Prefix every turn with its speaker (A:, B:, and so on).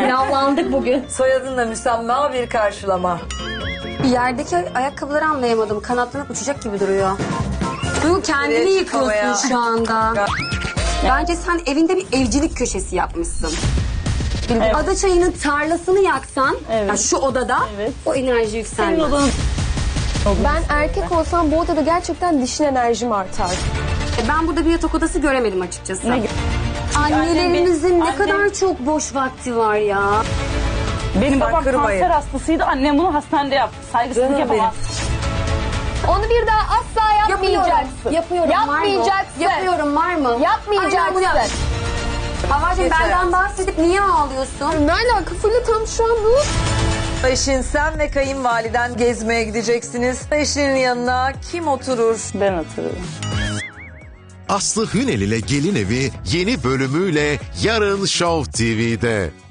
A: Pilavlandık bugün.
B: Soyadınla müsemma bir karşılama.
C: Yerdeki ayakkabıları anlayamadım. Kanatlanıp uçacak gibi duruyor. Duygu kendini
B: Nereye
C: yıkıyorsun
B: çıkmaya?
C: şu anda. Bence sen evinde bir evcilik köşesi yapmışsın.
A: Evet.
C: Ada çayının tarlasını yaksan,
A: Evet.
C: yani şu odada
A: Evet.
C: o enerji
A: Senin
C: yükselmez.
A: odanın...
D: Ben erkek olsam bu odada gerçekten dişil enerjim artar.
C: Ben burada bir yatak odası göremedim açıkçası.
A: Ne-
C: Annelerimizin ne
A: Annem-
C: kadar çok boş vakti var ya.
A: Benim babam
B: kırmayın.
A: kanser hastasıydı. Annem bunu hastanede yaptı. Saygısızlık
B: Canım
A: yapamaz.
D: Onu bir daha asla yapmayacaksın.
C: Yapıyorum.
D: Yapmayacaksın.
C: Yapıyorum var mı?
D: Yapmayacaksın.
C: Havacığım
B: Yeter.
C: benden bahsedip niye ağlıyorsun?
D: Ne alaka Fulya, tam şu an bu.
B: Eşin, sen ve kayınvaliden gezmeye gideceksiniz. Eşinin yanına kim oturur?
A: Ben oturuyorum.
E: Aslı Hünel ile Gelin Evi yeni bölümüyle yarın Show TV'de.